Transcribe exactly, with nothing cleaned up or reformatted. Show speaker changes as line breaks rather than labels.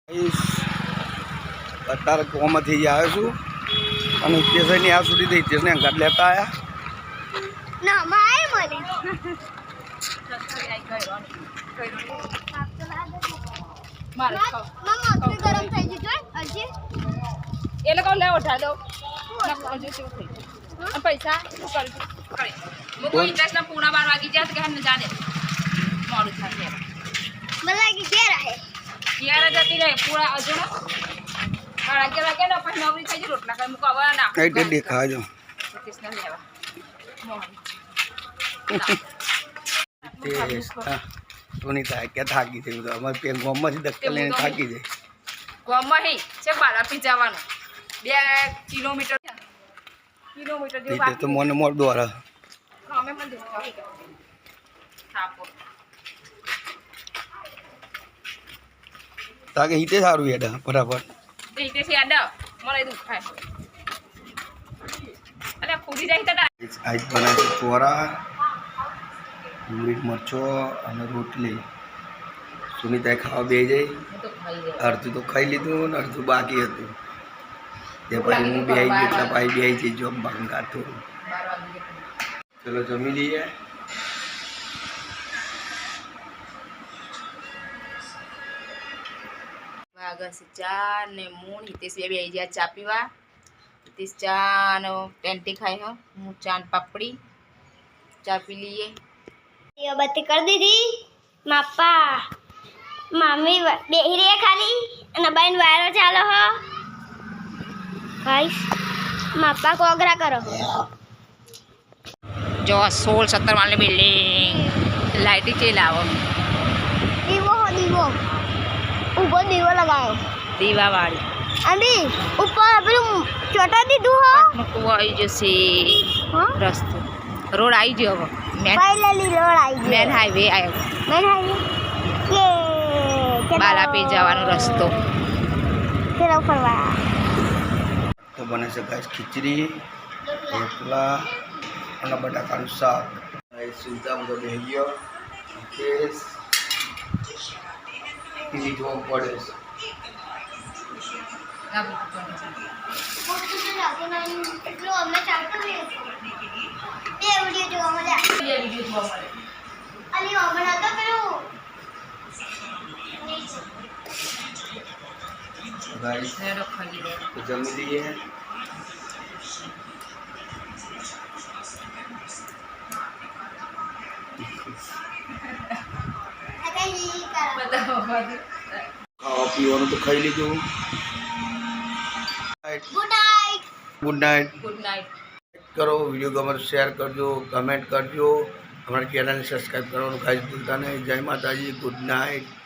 અત્યારે કોમાંથી આવ્યો છું અને હિતેશની આ સુધી હિતેશને અંગાત લેતા આવ્યા
ના માય મને ગરમ થઈ ગયું હજી
એ લોકો લે ઉઠા દો પૈસા મૂકો ઇન્ટરેસ્ટના પૂણા બાર વાગી જાય કે ને જાને મોડું થશે
મને લાગી ઘેર આહે
ઘેર જતી રહે પૂરા હજુ ને અગિયાર વાગે ને પછી નવરી થઈ જાય રોટલા કરી મૂકો હવે ના
કઈ તે દેખાજો
કૃષ્ણ લેવા
સુનીતા કે થાકી છે અમારે પેન ગોમમાંથી દક્કલ લઈને થાકી જાય
ગોમમાં હી છે બાલાપી જવાનું બે કિલોમીટર કિલોમીટર જેવું
તો મને મોર દ્વારા
અમે પણ દેખવા થાપો
તાકે હિતે સારું હેડા બરાબર
હિતે છે યાદ મને દુખાય અરે ફૂટી જાય તો
આજ બનાવે છે ચોરા મીઠ મરચો અને રોટલી સુનીતાએ ખાવા બે જાય અડધું તો ખાઈ લીધું ને અડધું બાકી હતું તે પછી હું બે આવી ગયો એટલા ભાઈ બે આવી જઈ જોબ ભાંગા થોડું ચલો જમી લઈએ
વાગસ ચા ને મૂળ હિતેશ બે આવી ગયા ચા પીવા હિતેશ ચા ને ટેન્ટી ખાઈ હો હું ચાંદ પાપડી ચા પી લઈએ
ये बत्ती कर दी थी मापा मामी बेही रे खाली અને બાઈન વાયરો ચાલો હો ગાઈસ માપા કોગરા કરો
જો સોળ સત્તર વાળી બિલ્ડિંગ લાઈટી ચે લાવો
દીવો હો દીવો ઉપર દીવો લગાયો
દીવા વાળી
અમી ઉપર પેલું ચોટા દીધું હો
મૂકવો આવી જશે
હા
રસ્તો રોડ આવી ગયો હવે મેન
ફાઇનલી રોડ આવી ગયો
મેન હાઈવે આવ્યો
મેન હાઈવે યે
બાલાપી જવાનો રસ્તો
ચલો ફરવા
તો બને છે ગાઈસ ખીચડી રોટલા અને બટાકાનું શાક સુલતા બધો બેસી ગયો હિતેશ ટીવી જોવા પડે છે
એટલું અમને ચાલતું નહીં બે વિડિયો જોવા મળ્યા
બે વિડિયો જોવા મળે
અલી હમણાં તો પેલું
ગાઈસ
નેડો ખાઈ લે
તો જમી લઈએ ખાવા પીવાનું તો ખાઈ લીધું
good night
good night
good night
કરો વિડીયો ગમે તો શેર કરજો કમેન્ટ કરજો અમારા ચેનલને સબસ્ક્રાઈબ કરવાનું કાંઈ ભૂલતા નહીં જય માતાજી ગુડ નાઇટ